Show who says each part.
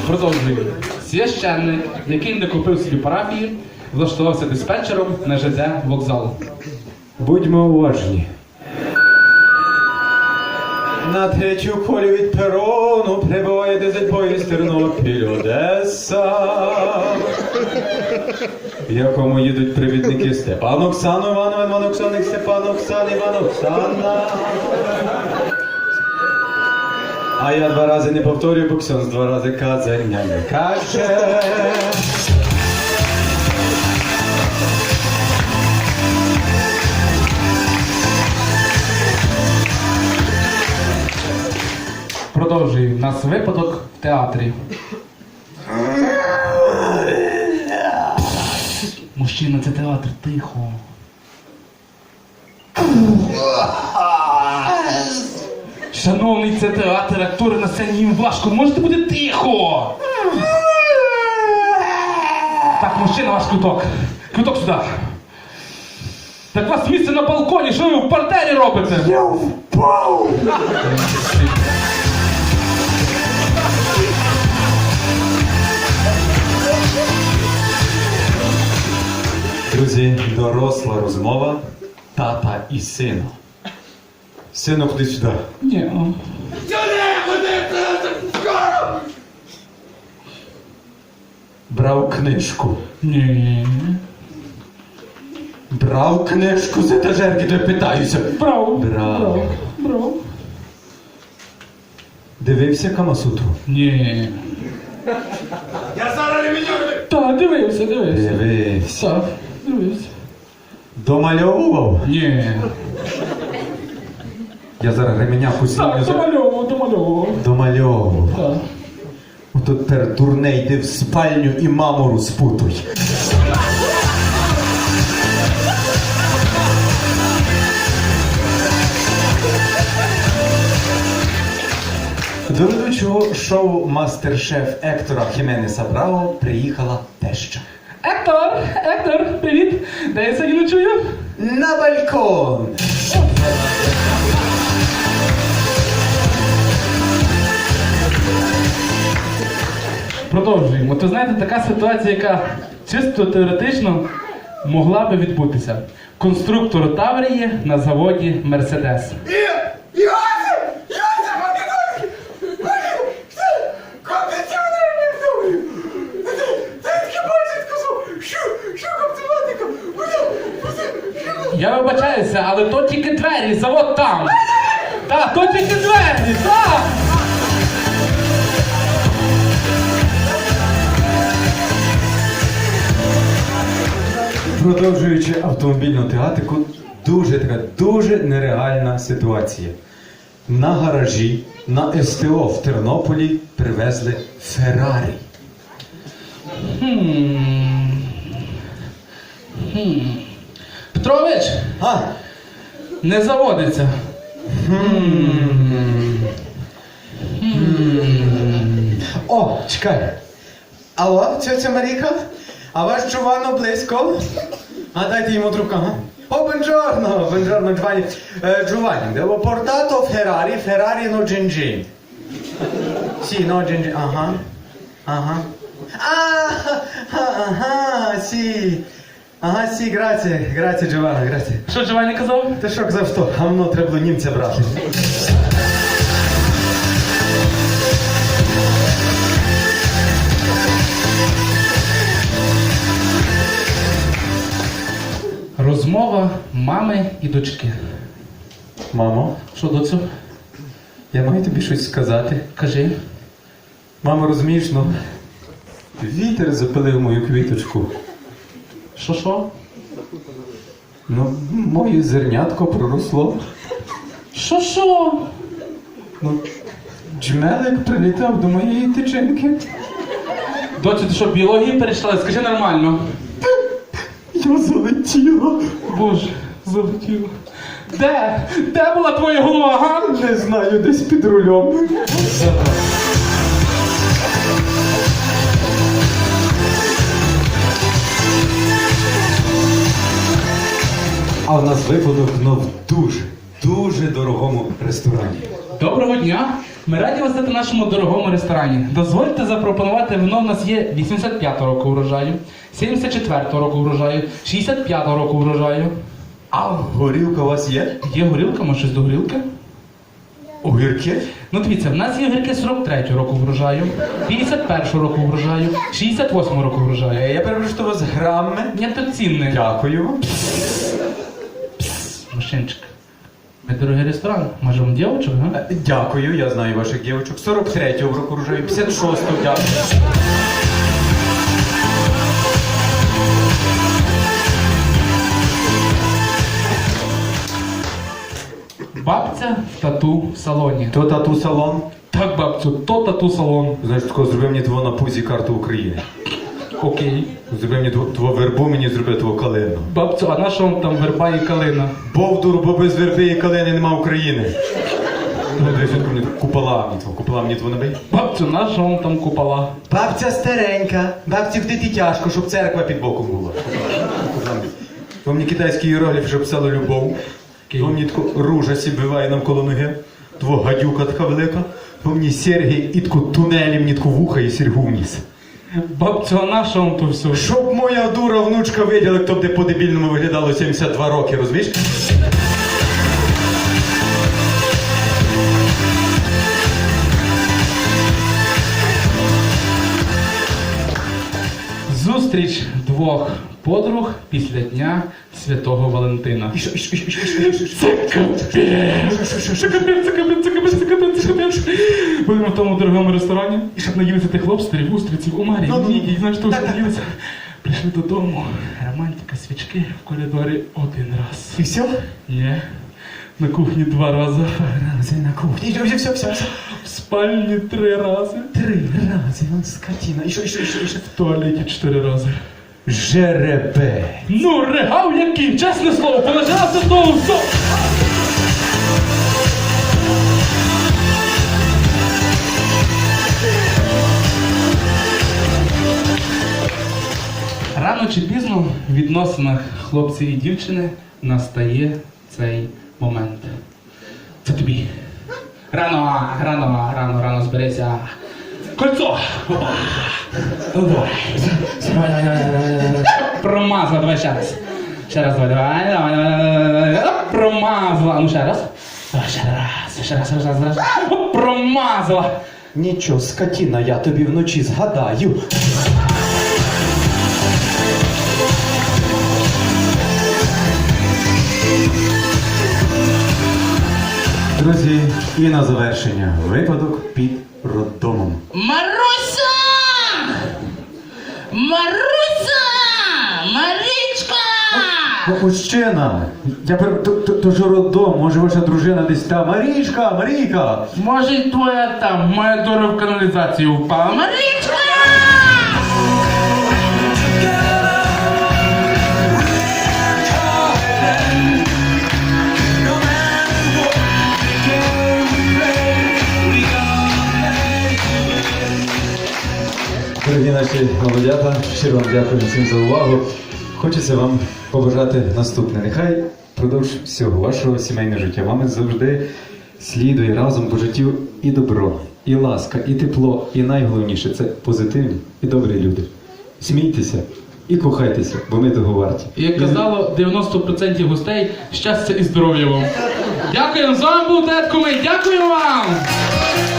Speaker 1: Продовжуємо. Священник, який не купив собі парафії, влаштувався диспетчером на ЖД вокзал.
Speaker 2: Будьмо уважні. На третю колію від перону прибуває дизель-поїзд Тернопіль-Одеса, в якому їдуть привідники Степан Оксану, Іван Оксаник, Степан Оксан, Іван Оксана. А я два рази не повторюю, бо Ксьонз два рази казання не каже.
Speaker 1: Продовжуємо. У нас випадок в театрі. Мужчина, це театр, тихо. Шановний, це театр, актори на сцені, їм важко, можете бути тихо? Так, мужчина, ваш квиток. Квиток сюди. Так у вас місце на балконі, що ви в партері робите?
Speaker 2: Я впав! Друзі, доросла розмова тата і сина. Сину, ходи сюди.
Speaker 1: Ні.
Speaker 2: Брав книжку.
Speaker 1: Ні.
Speaker 2: Брав книжку з етажерки, то я питаюся.
Speaker 1: Брав.
Speaker 2: Брав. Дивився Камасутру?
Speaker 1: Ні.
Speaker 3: Я зараз не відьорю!
Speaker 1: Так, дивився.
Speaker 2: Дивився.
Speaker 1: Так, дивився.
Speaker 2: Домальовував?
Speaker 1: Ні.
Speaker 2: Я зараз ременя
Speaker 1: Так,
Speaker 2: посінню.
Speaker 1: домальовував.
Speaker 2: Домальовував.
Speaker 1: Так.
Speaker 2: Ото тепер дурне йди в спальню і маму розпутуй. До ведучого шоу «Мастер-шеф» Ектора Хіменеса Браво приїхала теща.
Speaker 1: Ектор, привіт. Де я сьогодні ночую?
Speaker 2: На балкон!
Speaker 1: Продовжуємо. От ви знаєте, така ситуація, яка чисто теоретично могла би відбутися. Конструктор Таврії на заводі Мерседес. Я вибачаюся, але то тільки двері, завод там. Так, то тільки двері, так.
Speaker 2: Продовжуючи автомобільну тематику, дуже нереальна ситуація. На гаражі, на СТО в Тернополі привезли Феррарі.
Speaker 1: Петрович, не заводиться.
Speaker 2: О, чекай. Алло, тетя Маріка? А ваш Джованно близько? А дайте йому трубку, ага. О, buongiorno, Giovanni. Giovanni, devo portato Ferrari no Gingin. Sì, no Gingin, ага. Sì. Ага, сі, граzie, Джованна, граzie.
Speaker 1: Що Джованні казав?
Speaker 2: Ти що казав, що гамно треба було німця брати?
Speaker 1: Розмова мами і дочки.
Speaker 2: Мамо,
Speaker 1: Що, доцю?
Speaker 2: я маю тобі щось сказати.
Speaker 1: Кажи.
Speaker 2: Мамо, розумієш, ну, вітер запилив мою квіточку.
Speaker 1: Що?
Speaker 2: Ну, моє зернятко проросло.
Speaker 1: Що?
Speaker 2: Ну, джмелик прилітав до моєї тичинки.
Speaker 1: Доцю, ти що, біологію перейшла? Скажи нормально.
Speaker 2: Я залетіла.
Speaker 1: Боже, залетіло. Де була твоя голова, га?
Speaker 2: Не знаю, десь під рулем. А в нас випадок, ну, дуже, дуже дорогому ресторані.
Speaker 1: Доброго дня! Ми раді вас вітати в нашому дорогому ресторані. Дозвольте запропонувати вино. В нас є 85-го року врожаю, 74-го року врожаю, 65-го року врожаю.
Speaker 2: А горілка у вас є?
Speaker 1: Є горілка, може щось до горілки?
Speaker 2: Огірки?
Speaker 1: Ну дивіться, в нас є огірки 43-го року врожаю, 51-го року врожаю, 68-го року врожаю.
Speaker 2: Я перепрошую, що у вас грами.
Speaker 1: Ні, то цінне.
Speaker 2: Дякую.
Speaker 1: Мужчинчик, ми дорогий ресторан. Може вам дівчинок, га?
Speaker 2: Дякую, я знаю ваших дівчинок. 43-го року рожаю, 56-го, дякую.
Speaker 1: Бабця в тату-салоні.
Speaker 2: То тату-салон.
Speaker 1: Так, бабцю, то тату-салон.
Speaker 2: Знаєш, такого зроби мені твого на пузі карту України.
Speaker 1: Окей.
Speaker 2: Зроби мені твого вербу, мені зроби твого калину.
Speaker 1: Бабцю, а на що вам там верба і калина?
Speaker 2: Бовдур, бо без верби і калини нема України. Ну, дивись, мені купола мені твого набий.
Speaker 1: Бабцю, на що вам там купола?
Speaker 2: Бабця старенька, бабці вдити тяжко, щоб церква під боком була. То мені китайський іерогліф, щоб писало любов. То мені тако ружа сібиває навколо ноги. Тво гадюка така велика. То мені серги і тако тунелі мені тако вуха і серьгу вниз.
Speaker 1: Бабцю, а на що вам то все?
Speaker 2: Щоб моя дура внучка виділа, як то б по-дебільному виглядало 72 роки, розумієш?
Speaker 1: Зустріч двох подруг після Дня Святого Валентина. Це капець! Це капець, це капець, це капець, це капець, це капець. Будемо в тому дорогому ресторані, і щоб наїлися тих лобстерів, устриців, омарів, нігі, і знаєш, що все наїлися. Прийшли додому, романтика, свічки в коридорі один раз.
Speaker 2: І все?
Speaker 1: Ні, на кухні 2 рази.
Speaker 2: Рази на кухні. Все.
Speaker 1: В спальні 3 рази.
Speaker 2: 3 рази, он скотина. І що?
Speaker 1: В туалеті 4 рази.
Speaker 2: Жеребе.
Speaker 1: Ну, регав який, чесне слово, полежалося того все. Рано чи пізно в відносинах хлопця і дівчини настає цей момент. Це тобі. Рано зберися. Кольцо! Опа! Давай. Промазала, давай ще раз. Ще раз, давай. Промазала. А ну ще раз. Давай, ще раз. Оп, промазала.
Speaker 2: Нічого, скотина, я тобі вночі згадаю. Друзі, і на завершення випадок під роддомом.
Speaker 1: Маруся! Марічка!
Speaker 2: Мужчина, то ж роддом, може ваша дружина десь там. Марійка!
Speaker 1: Може й твоя там, моя дура в каналізацію впала. Марічка!
Speaker 2: Дорогі наші молодята, щиро вам дякую всім за увагу. Хочеться вам побажати наступне. Нехай впродовж всього вашого сімейного життя вами завжди слідує разом по життю і добро, і ласка, і тепло, і найголовніше – це позитивні і добрі люди. Смійтеся і кохайтеся, бо ми того варті.
Speaker 1: І як казало 90% гостей, щастя і здоров'я вам. Дякую, з вами був Тед Кумий, дякую вам!